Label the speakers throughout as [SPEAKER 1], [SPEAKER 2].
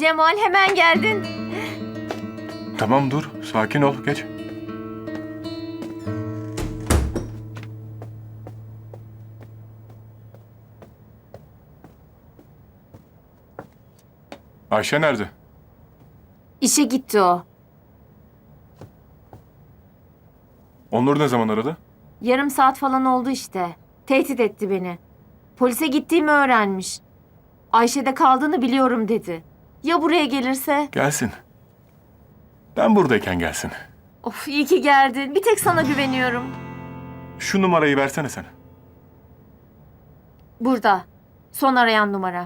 [SPEAKER 1] Cemal hemen geldin.
[SPEAKER 2] Tamam dur, sakin ol, geç. Ayşe nerede?
[SPEAKER 1] İşe gitti o.
[SPEAKER 2] Onur ne zaman aradı?
[SPEAKER 1] Yarım saat falan oldu işte. Tehdit etti beni. Polise gittiğimi öğrenmiş. Ayşe'de kaldığını biliyorum dedi. Ya buraya gelirse?
[SPEAKER 2] Gelsin. Ben buradayken gelsin.
[SPEAKER 1] Of iyi ki geldin. Bir tek sana güveniyorum.
[SPEAKER 2] Şu numarayı versene sen.
[SPEAKER 1] Burada. Son arayan numara.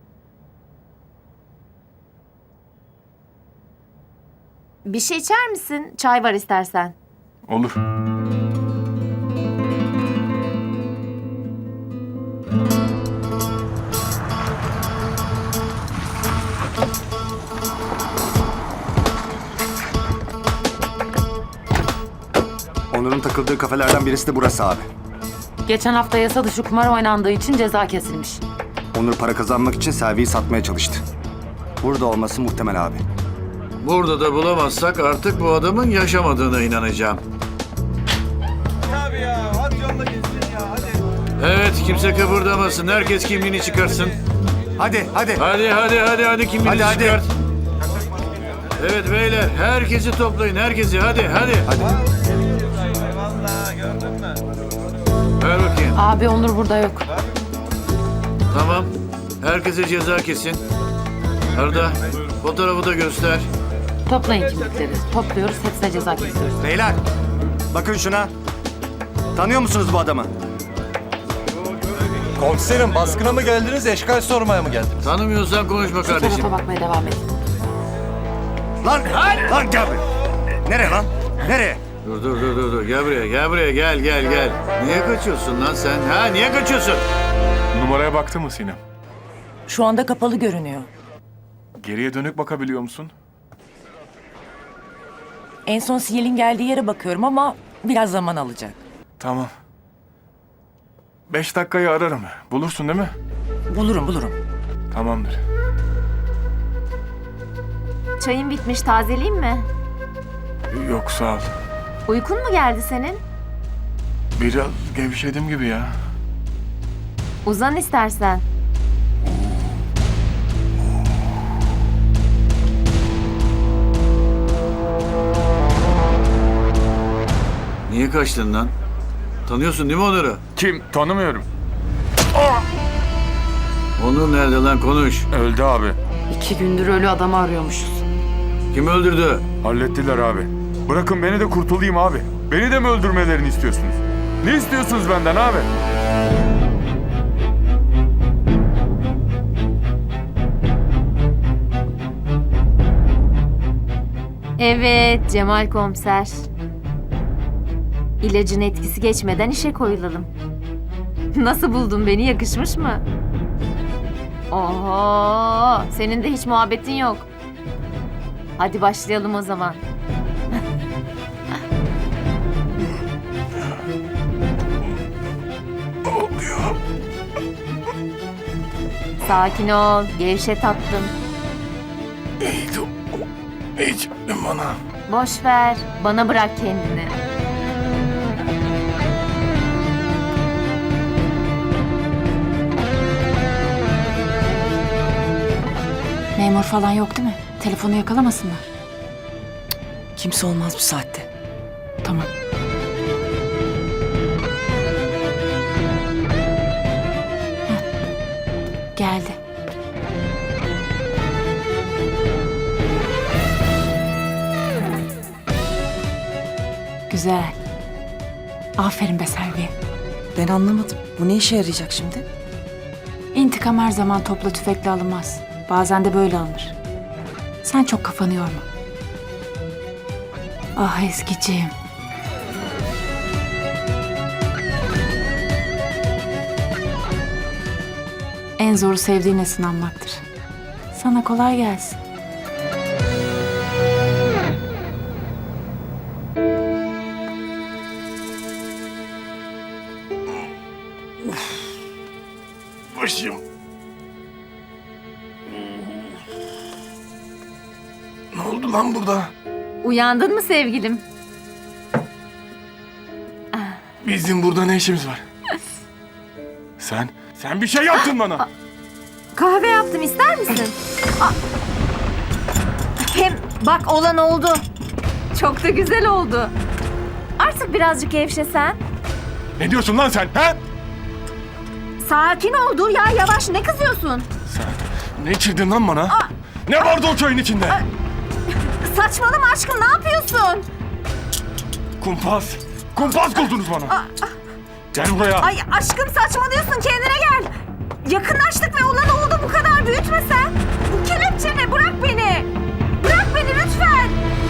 [SPEAKER 1] Bir şey içer misin? Çay var istersen.
[SPEAKER 2] Olur.
[SPEAKER 3] Onur'un takıldığı kafelerden birisi de burası abi.
[SPEAKER 4] Geçen hafta yasa dışı kumar oynandığı için ceza kesilmiş.
[SPEAKER 3] Onur para kazanmak için Selvi'yi satmaya çalıştı. Burada olması muhtemel abi.
[SPEAKER 5] Burada da bulamazsak artık bu adamın yaşamadığına inanacağım.
[SPEAKER 6] Abi ya, hadi yolla gitsin ya, hadi.
[SPEAKER 5] Evet, kimse kıpırdamasın. Herkes kimliğini çıkarsın.
[SPEAKER 3] Hadi.
[SPEAKER 5] Hadi kimliğini
[SPEAKER 3] Hadi.
[SPEAKER 5] çıkart. Evet beyler, herkesi toplayın, herkesi. Hadi.
[SPEAKER 6] Eyvallah, gördün mü?
[SPEAKER 5] Ver bakayım.
[SPEAKER 4] Abi Onur burada yok.
[SPEAKER 5] Tamam. Herkese ceza kesin. Arda, fotoğrafı da göster.
[SPEAKER 4] Toplayın kimlikleri. Topluyoruz, hepsine ceza kesiyoruz.
[SPEAKER 3] Beyler, bakın şuna. Tanıyor musunuz bu adamı?
[SPEAKER 6] Komiserim, baskına mı geldiniz, eşkal sormaya mı geldiniz?
[SPEAKER 5] Tanımıyorsan konuşma
[SPEAKER 4] Şu
[SPEAKER 5] kardeşim.
[SPEAKER 4] tarafa bakmaya devam edin.
[SPEAKER 3] Lan gel buraya. Nereye lan? Nereye?
[SPEAKER 5] Dur. Gel buraya, gel. Niye kaçıyorsun lan sen? Ha, niye kaçıyorsun?
[SPEAKER 2] Numaraya baktın mı Sinem?
[SPEAKER 7] Şu anda kapalı görünüyor.
[SPEAKER 2] Geriye dönük bakabiliyor musun?
[SPEAKER 7] En son sinyalin geldiği yere bakıyorum ama biraz zaman alacak.
[SPEAKER 2] Tamam. 5 dakikayı ararım. Bulursun değil mi?
[SPEAKER 7] Bulurum.
[SPEAKER 2] Tamamdır.
[SPEAKER 1] Çayın bitmiş. Tazeleyeyim mi?
[SPEAKER 2] Yok sağ ol.
[SPEAKER 1] Uykun mu geldi senin?
[SPEAKER 2] Biraz gevşedim gibi ya.
[SPEAKER 1] Uzan istersen.
[SPEAKER 5] Niye kaçtın lan? Tanıyorsun değil mi Onur'u?
[SPEAKER 2] Kim? Tanımıyorum.
[SPEAKER 5] Onur nerede lan? Konuş.
[SPEAKER 2] Öldü abi.
[SPEAKER 4] 2 gündür ölü adamı arıyormuşuz.
[SPEAKER 5] Kim öldürdü?
[SPEAKER 8] Hallettiler abi. Bırakın beni de kurtulayım abi. Beni de mi öldürmelerini istiyorsunuz? Ne istiyorsunuz benden abi?
[SPEAKER 1] Evet Cemal komiser. İlacın etkisi geçmeden işe koyulalım. Nasıl buldun beni? Yakışmış mı? Oho, senin de hiç muhabbetin yok. Hadi başlayalım o zaman. Sakin ol, gevşe tatlım.
[SPEAKER 2] Hiç bana.
[SPEAKER 1] Boş ver, bana bırak kendini.
[SPEAKER 4] Memur falan yok değil mi? Telefonu yakalamasınlar.
[SPEAKER 7] Kimse olmaz bu saatte.
[SPEAKER 4] Tamam. Heh. Geldi. Güzel. Aferin be Selvi.
[SPEAKER 7] Ben anlamadım. Bu ne işe yarayacak şimdi?
[SPEAKER 4] İntikam her zaman topla tüfekle alınmaz. Bazen de böyle alınır. Sen çok kafanı yorma. Ah eskiciğim. En zoru sevdiğine sınanmaktır. Sana kolay gelsin.
[SPEAKER 2] Başım. oldu lan burada?
[SPEAKER 1] Uyandın mı sevgilim?
[SPEAKER 2] Bizim burada ne işimiz var? Sen bir şey yaptın bana.
[SPEAKER 1] Kahve yaptım, ister misin? Hem bak olan oldu. Çok da güzel oldu. Artık birazcık gevşesen.
[SPEAKER 2] Ne diyorsun lan sen? Ha?
[SPEAKER 1] Sakin ol, dur ya, yavaş, ne kızıyorsun?
[SPEAKER 2] Sen ne içirdin lan bana? Ne vardı o çayın içinde?
[SPEAKER 1] Saçmalama aşkım, ne yapıyorsun?
[SPEAKER 2] Kumpas kurdunuz bana. Gel buraya.
[SPEAKER 1] Ay aşkım saçmalıyorsun, kendine gel. Yakınlaştık ve olan oldu, bu kadar büyütme sen. Bu kelepçe ne? Bırak beni. Bırak beni lütfen.